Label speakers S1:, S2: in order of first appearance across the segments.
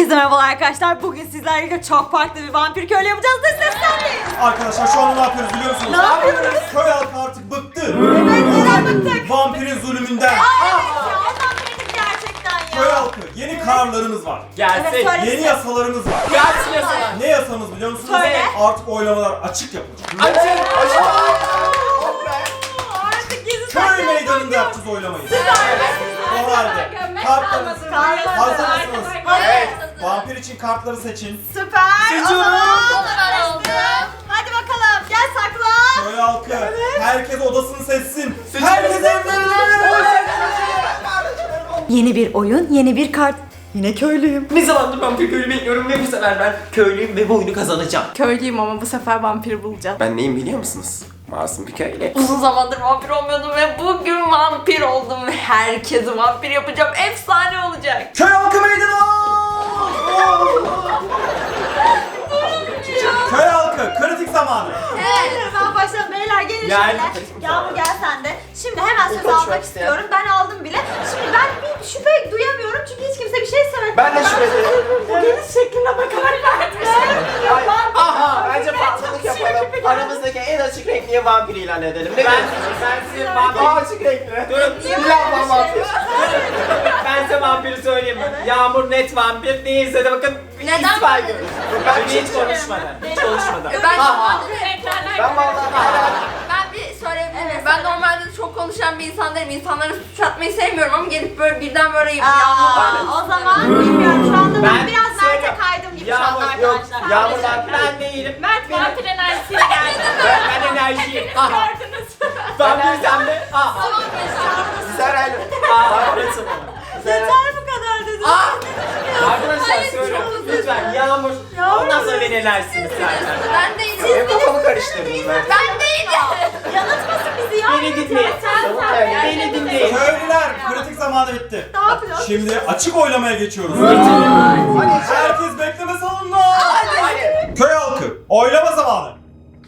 S1: Herkese merhabalar arkadaşlar. Bugün sizlerle çok farklı bir vampir köylü yapacağız da seslenmeyiz.
S2: Arkadaşlar şu anda ne yapıyoruz biliyor musunuz?
S1: Ne yapıyoruz?
S2: Köy halkı artık bıktı.
S1: Evet, neden bıktık?
S2: Vampirin zulmünden.
S1: Ya ondan bıktık gerçekten ya.
S2: Köy halkı yeni kararlarımız var.
S1: Evet,
S3: Gelsin.
S1: söyle.
S2: Yeni yasalarımız var.
S3: Gelsin yasalar.
S2: Ne yasamız biliyor musunuz?
S1: Söyle.
S2: Artık oylamalar açık yapılacak.
S3: Açın.
S1: Artık gizli
S2: Köy
S1: saklı
S2: meydanında
S1: yok.
S2: yapacağız oylamayı.
S1: Süper.
S2: O halde kartlarınızı hazır mısınız?
S1: Evet.
S2: Vampir için kartları seçin.
S1: Süper.
S3: Seçiyorum.
S1: Hadi bakalım gel saklan.
S2: Köy halkı herkes odasını seçsin.
S3: Seçin.
S2: Herkes evlerine.
S1: Yeni bir oyun, yeni bir kart. Yine köylüyüm.
S3: Ne zamandır vampir köylü bekliyorum ve bu sefer ben köylüyüm ve bu oyunu kazanacağım.
S4: Köylüyüm ama bu sefer vampiri bulacağım.
S3: Ben neyim biliyor musunuz? Masum bir köylü.
S4: Uzun zamandır vampir olmuyordum ve bugün vampir oldum ve herkesi vampir yapacağım. Efsane olacak.
S2: Köy halkı meydana! Köy halkı kritik zamanı.
S1: Evet, ben başlayalım. Beyler gelin
S3: Gel.
S1: şöyle. Yağmur gel sen de. Şimdi hemen söz
S3: konuşmak
S1: almak
S3: isteyen.
S1: istiyorum. Ben aldım bile. Şimdi ben bir şüphe duyamıyorum çünkü hiç kimse bir şey söylemedi.
S3: Ben de şüpheli.
S1: Bu geliş şekline bakarak verdim.
S3: Aha, bence patladık yapalım. Aramızdaki en açık renkliye vampir ilan edelim. Ben size vampir açık renkli. Durun. İlan vampir. Ben size vampiri söyleyeyim mi? Yağmur net vampir değilse de bakın
S4: Neden
S3: istifa ediyoruz. Ben hiç konuşmadan. Hiç konuşmadan. Aha. Ben vallahi
S4: Ben bir söyleyebilir miyim? Ben normalde çok konuşan bir insan değilim. İnsanlara suç atmayı sevmiyorum ama gelip böyle birden böyle yağmur.
S1: O zaman bilmiyorum şu anda ben
S3: Ben
S1: biraz Mert'e
S3: söylüyorum.
S1: kaydım gibi şu anda
S3: Yağmur yok.
S1: arkadaşlar.
S3: Yağmur vampir ben değilim.
S4: Mert vampir enerjisiyle geldi.
S3: Ben enerjiyim. Aha. Vampir sen de. Aha. Sen öyle. Aha. Burası bana.
S1: Yeter bu kadar dedim.
S3: Arkadaşlar
S4: Hayır,
S3: söylüyorum.
S4: çok özür
S3: Lütfen Yağmur. Ondan sonra beni enerjisiniz zaten.
S4: Ben değilim.
S3: Benim kafamı karıştırdınız ben.
S4: Ben değilim.
S1: Yanıltmasın bizi ya.
S3: Beni dinleyin. Beni dinleyin.
S2: Köylüler kritik zamanı bitti.
S1: Ne yapacağız?
S2: Şimdi açık oylamaya geçiyoruz. Herkes bekleme salonuna.
S3: Hadi.
S2: Köy halkı oylama zamanı.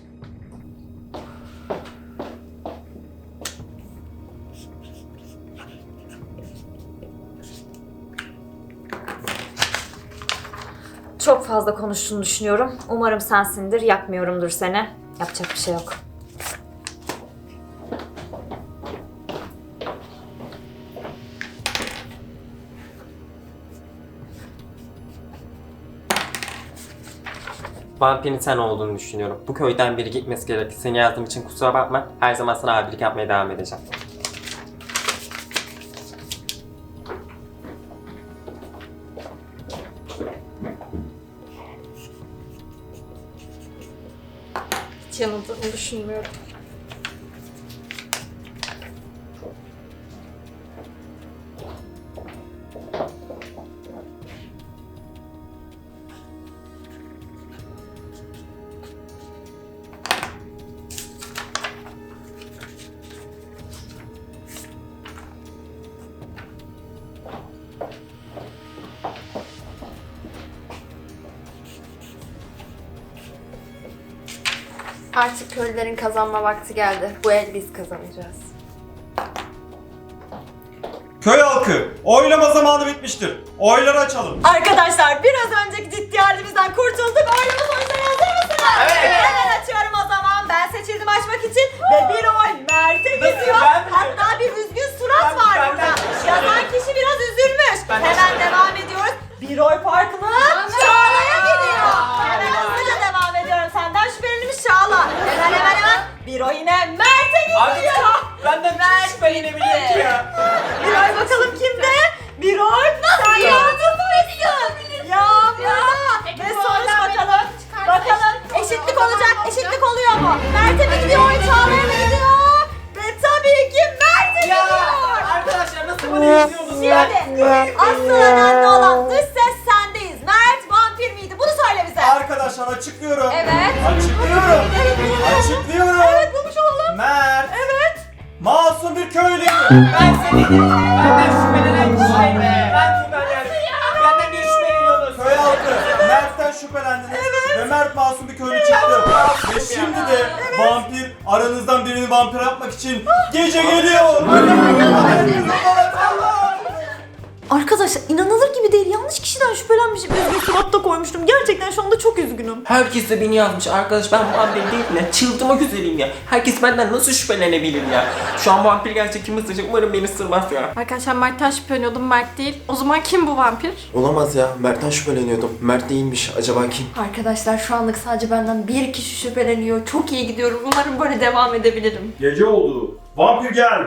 S1: Çok fazla konuştuğunu düşünüyorum. Umarım sensindir. Yakmıyorumdur seni. Yapacak bir şey yok.
S5: Vampirin sen olduğunu düşünüyorum. Bu köyden biri gitmesi gerekir. Seni yazdığım için kusura bakma. Her zaman sana abilik yapmaya devam edeceğim.
S4: Hiç yanıldığımı düşünmüyorum. Artık köylülerin kazanma vakti geldi. Bu el biz kazanacağız.
S2: Köy halkı oylama zamanı bitmiştir. Oyları açalım.
S1: Arkadaşlar biraz önceki ciddi halimizden kurtulduk. Oylama sonuçları hazır mısınız?
S3: Evet.
S1: Hemen açıyorum o zaman. Ben seçildim açmak için. Ve bir oy Mert'e gidiyor.
S3: Ben mi?
S1: Hatta bir üzgün surat var
S3: Ben
S1: burada.
S3: de.
S1: Yazan kişi biraz üzülmüş.
S3: Ben de.
S1: Hemen devam ediyoruz. Bir oy farklı Çağla'ya gidiyor. Hemen hızlıca devam ediyorum. Senden şüphelenmiş Çağla. Hemen. Bir oy yine Mert'e gidiyor.
S3: Benden hiç şüphelenebilirim ki ya.
S1: Bir oy bakalım kimde? Bir oy. Sen yardımcısın. Ya burada. Ve sonuç bakalım. Bakalım eşitlik olacak. Eşitlik oluyor mu? Mert'e mi gidiyor? Oy Çağla'ya mı gidiyor? Ve tabii ki Mert'e
S3: Ya
S1: gidiyor.
S3: arkadaşlar nasıl bunu izliyorsunuz ya?
S1: Şimdi asıl önemli olan dış ses sendeyiz. Mert vampir miydi? Bunu söyle bize.
S2: Arkadaşlar açıklıyorum.
S1: Evet.
S2: Açıklıyorum. Açıklıyorum.
S1: Evet bulmuş olalım.
S2: Mert.
S1: Evet.
S2: Masum bir köylü.
S3: Ben seni benden şüphelenen kişiyim. Ben kimden yani? Benden niye şüpheleniyorsunuz?
S2: Köy halkı Mert'ten şüphelendiniz. Ve Mert masum bir köylü çıktı. Ve şimdi de vampir aranızdan birini vampir yapmak için gece geliyor.
S1: Arkadaşlar inanılır gibi değil. Yanlış kişiden şüphelenmişim. Üzgün surat da koymuştum. Gerçekten şu anda çok üzgünüm.
S5: Herkes de beni yazmış arkadaş, ben vampir değilim ya. Çıldırmak üzereyim ya. Herkes benden nasıl şüphelenebilir ya? Şu an vampir gerçek kim ısıracak, umarım beni ısırmaz ya.
S6: Arkadaşlar Mert'ten şüpheleniyordum, Mert değil. O zaman kim bu vampir?
S3: Olamaz ya. Mert'ten şüpheleniyordum. Mert değilmiş. Acaba kim?
S4: Arkadaşlar şu anlık sadece benden bir kişi şüpheleniyor. Çok iyi gidiyorum. Umarım böyle devam edebilirim.
S2: Gece oldu. Vampir gel.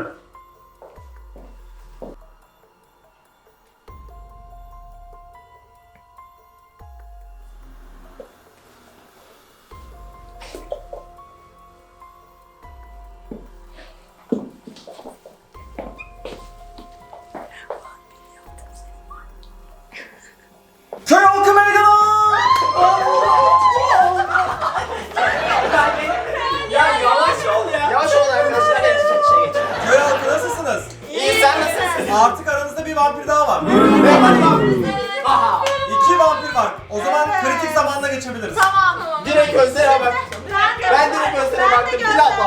S2: Köy halkı meydana!
S3: Ya yavaş ol ya. Yavaş ol arkadaşlar. Şey geçelim.
S2: Köy halkı nasılsınız?
S3: İyi, sen nasılsın?
S2: Artık aranızda bir vampir daha var.
S3: Aha.
S2: 2 vampir var. O zaman kritik zamanda geçebiliriz.
S1: Tamam.
S3: Direkt gözlere bak. Ben direkt gözlere baktım. Dil ablam.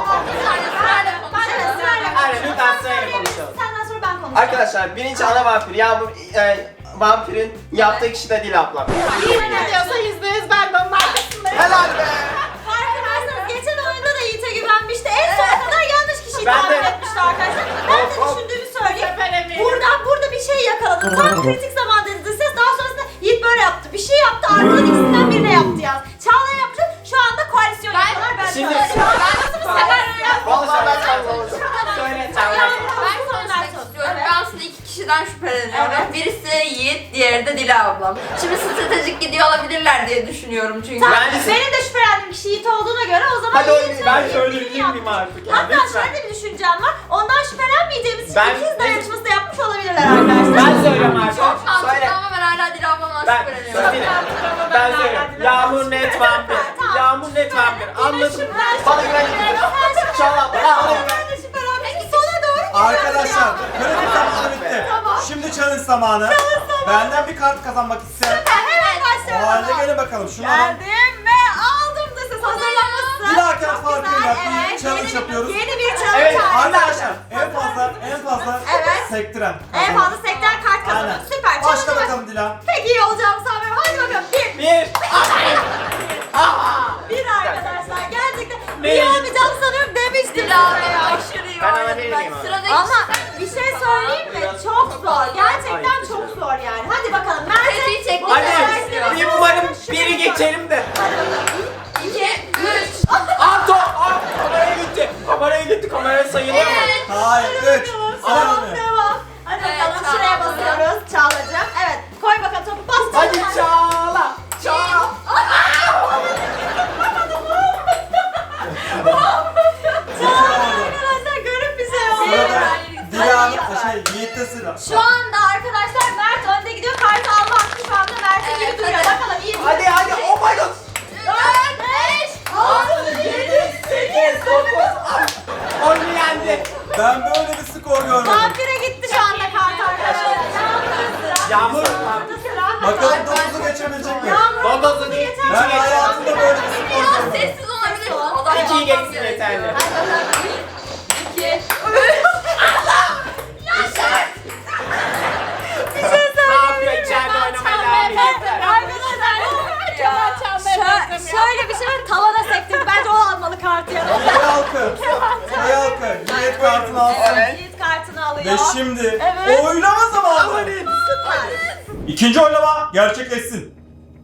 S3: Aynen, lütfen sırayla konuşalım.
S1: Senden sonra ben konuşacağım.
S3: Arkadaşlar birinci ana vampir. Yağmur vampirin yaptığı kişi de Dil ablam.
S6: Ne diyorsa %100 ben de onun arkasındayım.
S3: Helal be.
S1: Farkındaysanız geçen oyunda da Yiğit'e güvenmişti. En sona kadar yanlış kişiyi
S3: Ben
S1: tahmin
S3: de.
S1: etmişti arkadaşlar. Ben de
S3: Hop, hop.
S1: düşündüğümü söyleyeyim.
S6: Şüpheleniyorum.
S1: Burada bir şey yakaladım. Tam kritik zaman dedi ses. Daha sonrasında Yiğit böyle yaptı. Bir şey yaptı. Ardından ikisinden birine yaptı yaz. Çağla yaptı. Şu anda koalisyon yapıyorlar. Ben
S3: Şimdi-
S1: söyleyeyim.
S3: Vallahi ben kaybolacağım. Söyle sen.
S4: Ben konuşmak istiyorum. Ben aslında iki kişiden şüpheleniyorum. Birisi Yiğit, diğeri de Dila ablam. Şimdi stratejik gidiyor olabilirler diye düşünüyorum çünkü.
S1: Tamam,
S3: Bence-
S1: benim de şüphelendiğim kişi Yiğit olduğuna göre o zaman
S3: Hadi
S1: Yiğit
S3: oynayın.
S2: Ben
S1: söyleyeyim.
S2: söyleyebilir
S1: Yiğit
S2: miyim
S1: yaptı.
S2: artık ya?
S1: Hatta
S2: Lütfen.
S1: şöyle bir düşüncem var. Ondan şüphelenmeyeceğimiz için
S3: Ben-
S1: ikiz dayanışması da yapmış olabilirler arkadaşlar.
S3: Ben söylüyorum artık.
S4: Çok mantıklı
S3: Söyle.
S4: ama ben hala Dila ablamdan
S3: Ben
S4: şüpheleniyorum.
S3: söyleyeyim. Ben söylüyorum. Yağmur net vampir.
S1: Tamam.
S3: Yağmur net vampir. Anladım.
S1: Ben-
S3: Bana güven. Çağla. Bana güven.
S1: Ben de şüphelenmek sona doğru
S2: Arkadaşlar kritik zamanı bitti.
S1: Tamam.
S2: Şimdi challenge zamanı. Benden bir kart kazanmak isteyen.
S1: Hemen
S2: O
S1: başlayalım.
S2: halde gelin bakalım. Şunu alın.
S1: Geldim ve aldım da siz hazırlanmışsınız.
S2: Bir dahaki
S1: Çok
S2: farkıyla
S1: güzel,
S2: bir challenge yapıyoruz.
S1: Yeni bir challenge
S3: Evet,
S1: halinde.
S2: Arkadaşlar en fazla
S1: Evet.
S2: sektiren.
S1: En fazla sekten kart kazanıyor.
S2: Aynen.
S1: Süper.
S2: Başla
S1: Challenge'a
S2: bakalım Dila.
S1: Pek iyi olacağımı sanmıyorum. Hadi bakalım.
S3: Bir.
S1: Bir arkadaşlar. Gerçekten
S3: Ne?
S1: iyi olmayacağını sanıyorum demiştim.
S4: Dila ablam
S1: size ya.
S4: aşırı iyi
S3: Ben
S4: oynadı.
S3: alabilir miyim abi?
S4: Sıradaki
S1: Ama bir şey söyleyeyim mi? Çok zor. Gerçekten çok zor yani. Hadi bakalım.
S4: Tetiği
S1: Mert'e
S4: çekmek
S3: Hadi.
S4: istiyorum.
S3: Bir umarım biri geçerim de.
S4: 2, 3.
S3: Aa top. Aa kameraya gitti. Kameraya gitti. Kameraya sayılıyor mu?
S4: Evet.
S2: Hayır 3.
S1: Tamam,
S2: Sayılmıyor.
S1: devam. Hadi
S4: Evet,
S1: bakalım
S4: Çağla
S1: şuraya
S4: abla.
S1: basıyoruz. Çağla'cığım. Evet. Koy bakalım topu. Bas.
S3: Hadi Çağla. Çağla.
S1: Arkadaşlar garip bir şey oldu.
S2: Sırada Dila'nın
S1: Hadi.
S2: Yiğit'te sıra.
S1: Şu anda arkadaşlar Mert önde gidiyor. Kartı alma hakkı şu anda Mert'in gibi
S4: Evet,
S1: duruyor.
S4: hadi.
S1: Bakalım iyi mi?
S3: Hadi oh my god.
S1: 4, 5, 6, 7, 8, 9.
S3: Onu yendi.
S2: Ben böyle bir skor görmedim.
S1: Vampire gitti şu anda kart arkadaşlar.
S3: Yağmur.
S1: Yağmur'da sıra.
S2: Bakalım 9'u geçebilecek mi?
S1: Yağmur
S3: Dodozu
S1: yeter.
S3: geçti.
S2: Ben hayatımda böyle bir skor
S4: Biraz
S2: görmedim.
S4: sessiz olabilir. O da
S3: İkiyi
S4: yapmam
S3: geçsin
S4: gerekiyor.
S3: yeterli.
S1: Hadi bakalım.
S4: 2, 3.
S3: Ne yapıyor? İçeride oynamaya devam ediyor.
S1: Şöyle bir şey var, tavana sektirdi. Bence o almalı kartı ya.
S2: Köy halkı. Köy halkı. Yiğit kartını alsın.
S1: Yiğit kartını alıyor.
S2: Ve şimdi
S1: Evet.
S2: oylama zamanı.
S1: Süper.
S2: İkinci oylama gerçekleşsin.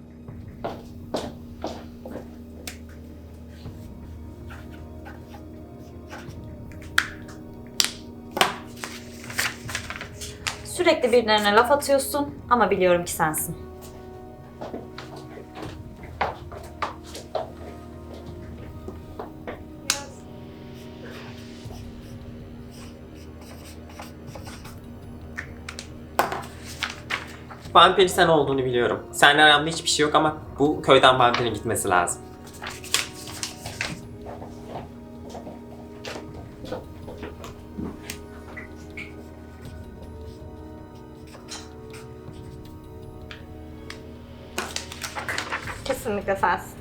S1: Sürekli birilerine laf atıyorsun ama biliyorum ki sensin.
S5: Vampir sen olduğunu biliyorum. Seninle aramda hiçbir şey yok ama bu köyden vampirin gitmesi lazım.
S6: Kesinlikle sensin.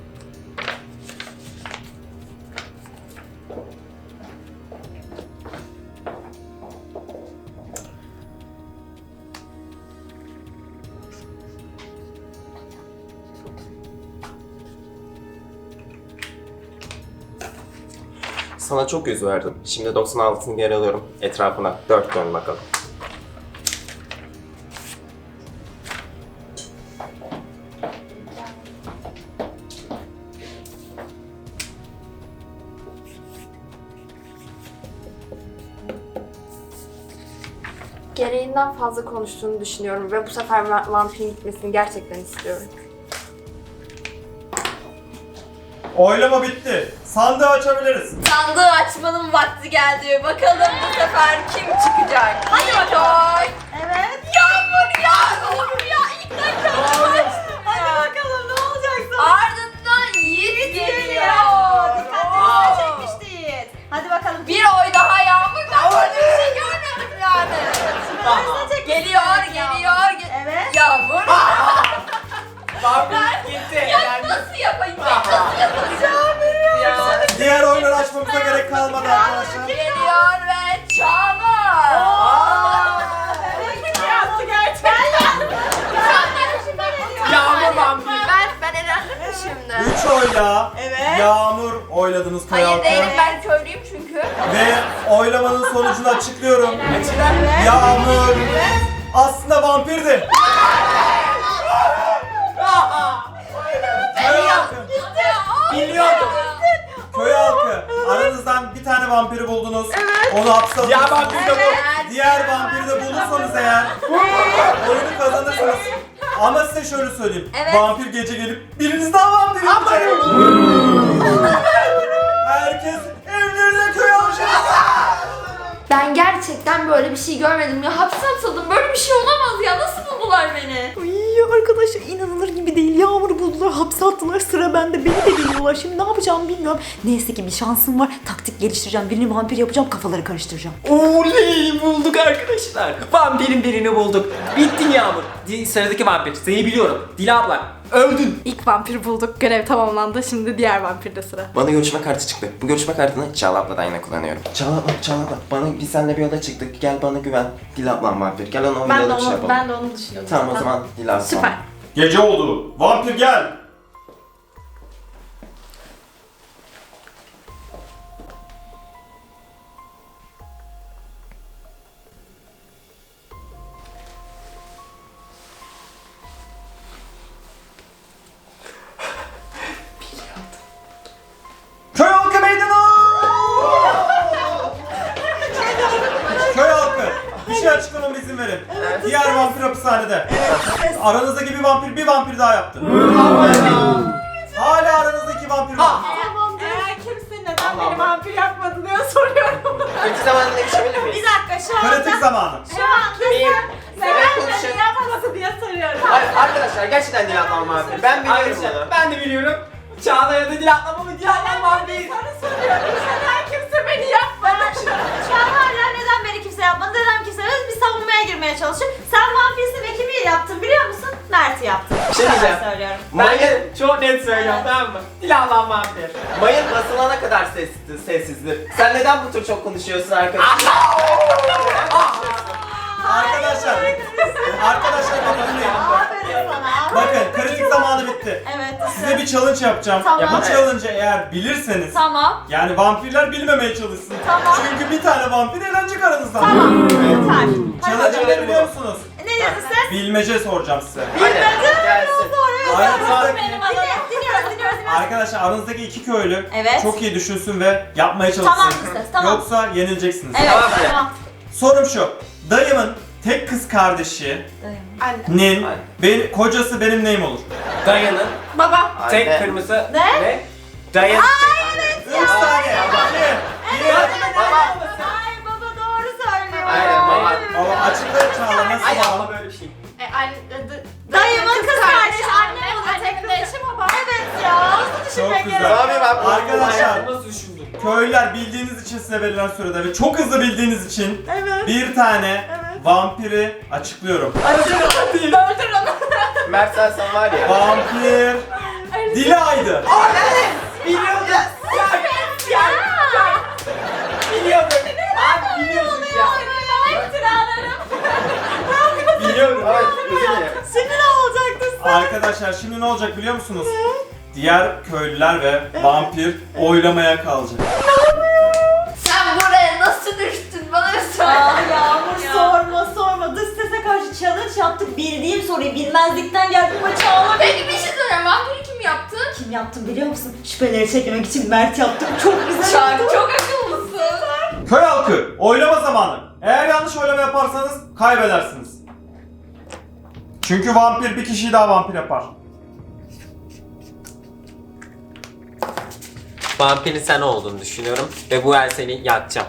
S3: Sana çok yüz verdim. Şimdi 96'sını geri alıyorum. Etrafına 4 dön bakalım.
S4: Gereğinden fazla konuştuğunu düşünüyorum ve bu sefer vampirin gitmesini gerçekten istiyorum.
S2: Oylama bitti. Sandığı açabiliriz.
S4: Sandığı açmanın vakti geldi. Bakalım bu sefer kim çıkacak? Hadi bakalım.
S1: Evet.
S4: Yağmur ya. İlk dakika.
S1: Hadi bakalım ne olacak sonra?
S4: Ardından Yiğit geliyor.
S1: Dikkatinizi çekmişti Yiğit. Hadi bakalım.
S4: Bir oy daha Yağmur. Ben böyle bir şey görmedim yani. Geliyor.
S1: Evet.
S4: Yağmur.
S3: Vampir gitti.
S4: Ya nasıl yapayım? Ben nasıl yapacağım?
S2: Diğer oyunları açmamıza gerek kalmadı arkadaşlar.
S4: Geliyor ve Çağlar.
S3: Yağmur vampir.
S4: Ben elendim şimdi.
S2: 3 oyla
S1: Evet.
S2: Yağmur oyladınız
S4: Hayır
S2: Koyaltı.
S4: değilim, ben köylüyüm çünkü.
S2: Ve oylamanın sonucunu açıklıyorum.
S1: Evet.
S2: Yağmur aslında vampirdi. Köy halkı,
S3: Biliyordum.
S2: köy halkı. Aranızdan bir tane vampiri buldunuz. Onu hapse
S3: Ya
S2: atıyorsunuz.
S3: vampir de bu.
S2: Diğer vampiri de bulursanız eğer oyunu kazanırsınız. Ama size şöyle söyleyeyim.
S4: Evet.
S2: Vampir gece gelip biriniz daha vampir yapacak. Herkes evlerine köy alacak.
S4: Ben gerçekten böyle bir şey görmedim ya. Hapse atıldım. Böyle bir şey olamaz ya. Nasıl buldular beni?
S1: Ay arkadaşlar inanılır gibi değil. Yağmur'u buldular, hapse attılar. Sıra bende. Beni de biliyorlar. Şimdi ne yapacağımı bilmiyorum. Neyse ki bir şansım var. Taktik geliştireceğim. Birini vampir yapacağım. Kafaları karıştıracağım.
S5: Oley bulduk arkadaşlar. Vampirin birini bulduk. Bittin Yağmur. Sıradaki vampir. Seni biliyorum. Dila abla. Öldün.
S6: İlk vampir bulduk. Görev tamamlandı. Şimdi diğer vampirde sıra.
S3: Bana görüşme kartı çıktı. Bu görüşme kartını Çağla abladan yine kullanıyorum. Çağla abla. Biz seninle bir yola çıktık. Gel bana güven. Dila ablam vampir. Gel ona
S6: Ben de
S3: oynadık şey
S6: onu,
S3: yapalım.
S6: ben de onu düşünüyordum.
S3: Tamam o zaman Dila ablam.
S6: Süper.
S2: Gece oldu. Vampir gel. Köy halkı meydana! Köy halkı, bir şey açıklamama izin verin. Diğer vampir hapishanede. Aranızdaki bir vampir daha yaptı. Hala aranızdaki vampir var.
S1: Tamamdır. Eğer kimse neden
S3: Allah
S1: beni
S3: Allah.
S1: vampir yapmadı diye soruyorum.
S3: Kötü zamanında geçebilir
S1: Bir
S3: miyiz?
S1: dakika şu anda.
S2: Kritik zamanı.
S1: Şu anda
S3: Benim-
S1: sen
S3: Evet,
S1: neden
S3: konuşalım.
S1: beni yapmadı diye soruyorum.
S3: Hayır arkadaşlar gerçekten Dila ablam vampir. Ben biliyorum
S5: Arkadaşlar
S3: bunu.
S5: ben de biliyorum. Çağla ya da Dila abla mı? Dila ablam vampir.
S1: Sana soruyorum. Neden kimse beni yapmadı? Şu an hala neden beni kimse yapmadı? Neden kimse yapmadı? Bir savunmaya girmeye çalışıyor. Sen vampirsin ve kimi yaptın biliyor musun? Mert'i yaptın.
S3: Bir şey diyeceğim.
S1: Ben söylüyorum.
S3: Mayın,
S5: Çok net söylüyorum tamam mı? Dila ablam vampir.
S3: mayın basılana kadar sessizdir. Sen neden bu tür çok konuşuyorsun arkadaşlar?
S2: Arkadaşlar beni dinleyin.
S1: Aferin sana.
S2: Bakın kritik zamanı bitti.
S1: Evet.
S2: Size bir challenge yapacağım.
S1: Tamam.
S2: Bu challenge'ı eğer bilirseniz,
S1: Tamam.
S2: yani vampirler bilmemeye çalışsın.
S1: Tamam.
S2: Çünkü bir tane vampir eğlenecek aranızdan.
S1: Tamam. Lütfen.
S2: Challenge'ı ne biliyor musunuz?
S1: Ne dedin sen?
S2: Bilmece soracağım size.
S3: Hadi gelsin.
S2: Aranızdaki,
S1: Dinliyoruz.
S2: arkadaşlar aranızdaki iki köylü
S1: Evet.
S2: çok iyi düşünsün ve yapmaya çalışsın.
S1: Tamam işte, tamam.
S2: Yoksa yenileceksiniz.
S1: Evet.
S3: Tamam.
S1: Tamam.
S2: Sorum şu. Dayımın tek kız kardeşinin kocası benim neyim olur?
S5: Dayanın.
S6: Baba.
S5: Tek
S3: Anne.
S5: kırmızı.
S1: Ne?
S5: Dayan.
S2: 3 saniye.
S3: Baba.
S1: Ay baba doğru söylüyor.
S3: Aynen, baba.
S2: Baba açıklayın Çağla
S3: Ay
S2: nasıl
S3: abla
S2: baba?
S3: böyle bir şey.
S1: Dayımın kız kardeşi annem olur.
S6: Annemin de eşi baba.
S1: Evet ya. Nasıl düşünmek
S2: Çok güzel.
S1: gerek?
S3: Abi ben
S2: Arkadaşlar
S5: Nasıl düşündün?
S2: köylüler bildiğiniz için size verilen sürede ve çok hızlı bildiğiniz için
S1: Evet.
S2: bir tane vampiri açıklıyorum.
S6: Öldür onu.
S3: Mert sen var ya.
S2: Vampir Dila'ydı.
S3: Biliyordum.
S5: Biliyordum. Abi biliyordum ya.
S3: Biliyorum. Evet özür dilerim.
S1: Şimdi ne olacaktı?
S2: Arkadaşlar şimdi ne olacak biliyor musunuz? Diğer köylüler ve vampir oylamaya kalacak.
S1: Yağmur sorma. Dış sese karşı challenge yaptık. Bildiğim soruyu bilmezlikten geldim ama Çağla.
S4: Peki bir şey söyleyeyim. Vampiri kim yaptı?
S1: Kim yaptım biliyor musun? Şüpheleri çekmek için Mert yaptım. Çok güzel
S4: Çağrı
S1: yaptım.
S4: çok akıllısın.
S2: Köy halkı, oylama zamanı. Eğer yanlış oylama yaparsanız kaybedersiniz. Çünkü vampir bir kişiyi daha vampir yapar.
S5: Vampirin sen olduğunu düşünüyorum ve bu el seni yakacağım.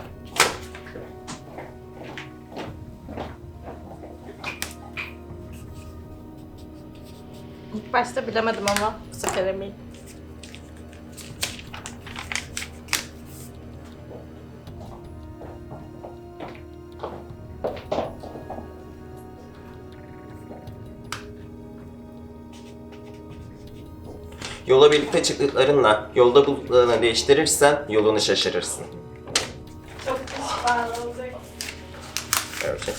S6: İlk başta bilemedim ama bu sefer eminim.
S5: Yola birlikte çıktıklarınla yolda bulduklarını değiştirirsen yolunu şaşırırsın.
S6: Çok pişman olacak.
S5: Göreceğiz.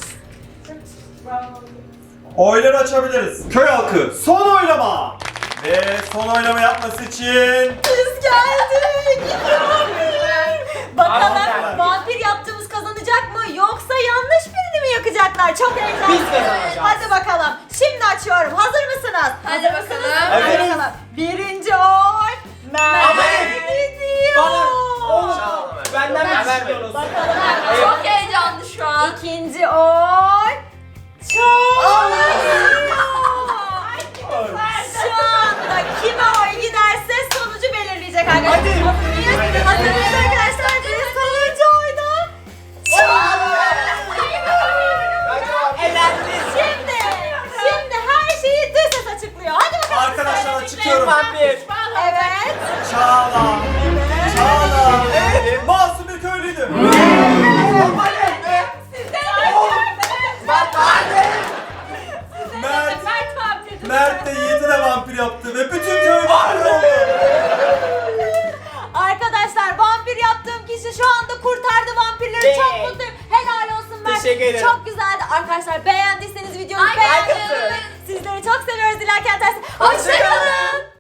S2: Oyları açabiliriz. Köy halkı, son oylama. Ve son oylama yapması için...
S1: Biz geldik. Bakalım
S2: Vampir.
S1: vampir yaptığımız kazanacak mı yoksa yanlış birini mi yakacaklar? Çok heyecanlı.
S3: Biz kazanacağız.
S1: Hadi bakalım. Şimdi açıyorum. Hazır mısınız?
S4: Hadi
S1: Hazır mısınız?
S4: bakalım.
S1: Hadi
S3: Evet.
S1: bakalım. Birinci oy. Mert gidiyor.
S3: Bana oğlum benden mi
S5: Ben
S3: istiyorsunuz?
S1: Bakalım.
S4: Çok heyecanlı şu an.
S1: İkinci oy. Çağla gidiyor. Şu anda kime oy giderse sonucu belirleyecek arkadaşlar.
S3: Hadi.
S1: Hazır mıyız arkadaşlar? Bir sonuncu oyda Çağla. Şimdi her şeyi dış ses açıklıyor. Hadi bakalım.
S2: Arkadaşlar açıklıyorum.
S3: Vampir.
S1: Evet.
S2: Çağla. Çağla. Masum bir köylüydü. Mert de Yiğit'i de vampir yaptı ve bütün köy vampir oldu.
S1: Arkadaşlar vampir yaptığım kişi şu anda kurtardı vampirleri.
S3: Evet.
S1: Çok mutluyum. Helal olsun Mert.
S3: Teşekkür ederim.
S1: Çok güzeldi. Arkadaşlar beğendiyseniz videomu
S4: Like
S1: beğenmeyi
S3: atın.
S1: unutmayın. Sizleri çok seviyoruz. Dilerken tersi. Hoşçakalın.